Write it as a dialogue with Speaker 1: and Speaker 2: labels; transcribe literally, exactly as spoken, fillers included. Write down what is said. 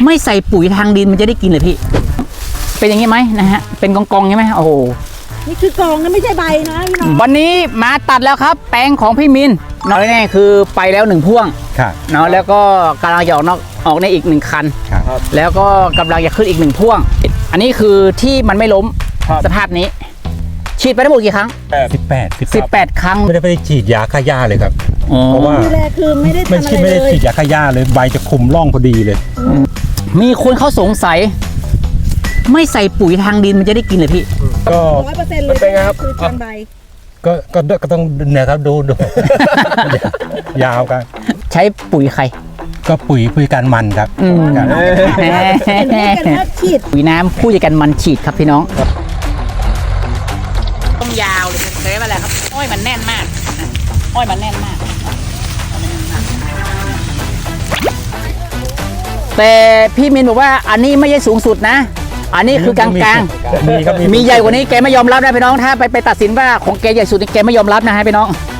Speaker 1: ไม่ใส่ปุ๋ยทางดินมันจะได้กินเลยพี่เป็นอย่างนี้ไหมนะฮะเป็นกองๆใช่ไหมโอ้โห
Speaker 2: นี่คือกองนะไม่ใช่ใบนะพี่น้อง
Speaker 1: วันนี้มาตัดแล้วครับแปลงของพี่มินน้อยแน่คือไปแล้วหนึ่งพ่วงเนาะแล้วก็กำลังจะออกนอกออกในอีกหนึ่งคันแล้วก็กำลังจะขึ้นอีกหนึ่งพ่วงอันนี้คือที่มันไม่ล้มสภาพนี้ฉีดไปทั้งหมดกี่ครั้ง
Speaker 3: สิบแปด
Speaker 1: สิบแปดครั้ง
Speaker 3: ไม่ได้ไปฉีดยาฆ่าหญ้าเลยครับ
Speaker 2: เพราะว่าดูแลคือไม่ได้ทำอะไรเลย
Speaker 3: ไม่ได้ฉีดยาฆ่าหญ้าเลยใบจะคุมร่องพอดีเลย
Speaker 1: มีคนเขาสงสัยไม่ใส่ปุ๋ยทางดินมันจะได้กินเลยพี่
Speaker 2: ก็ร้อยเปอร์เซ็นต์เลยเป็นไงครับคือทางใบ
Speaker 3: ก็ก็ก็ต้องเนี่ยครับดูดูยาวกัน
Speaker 1: ใช้ปุ๋ยใคร
Speaker 3: ก็ปุ๋ยปุ๋ยการมันครับ
Speaker 2: ฉีด
Speaker 1: ปุ๋ยน้ำผู้จัดการมันฉีดครับพี่น้องต้องยาวเลยเคยมาแล้วครับอ้อยมันแน่นมากอ้อยมันแน่นมากแต่พี่มินบอกว่าอันนี้ไม่ใช่สูงสุดนะอันนี้คือกลางๆมีใหญ่กว่านี้แกไม่ยอมรับนะพี่น้องถ้าไปไปตัดสินว่าของแกใหญ่สุดแกไม่ยอมรับนะฮะพี่น้อง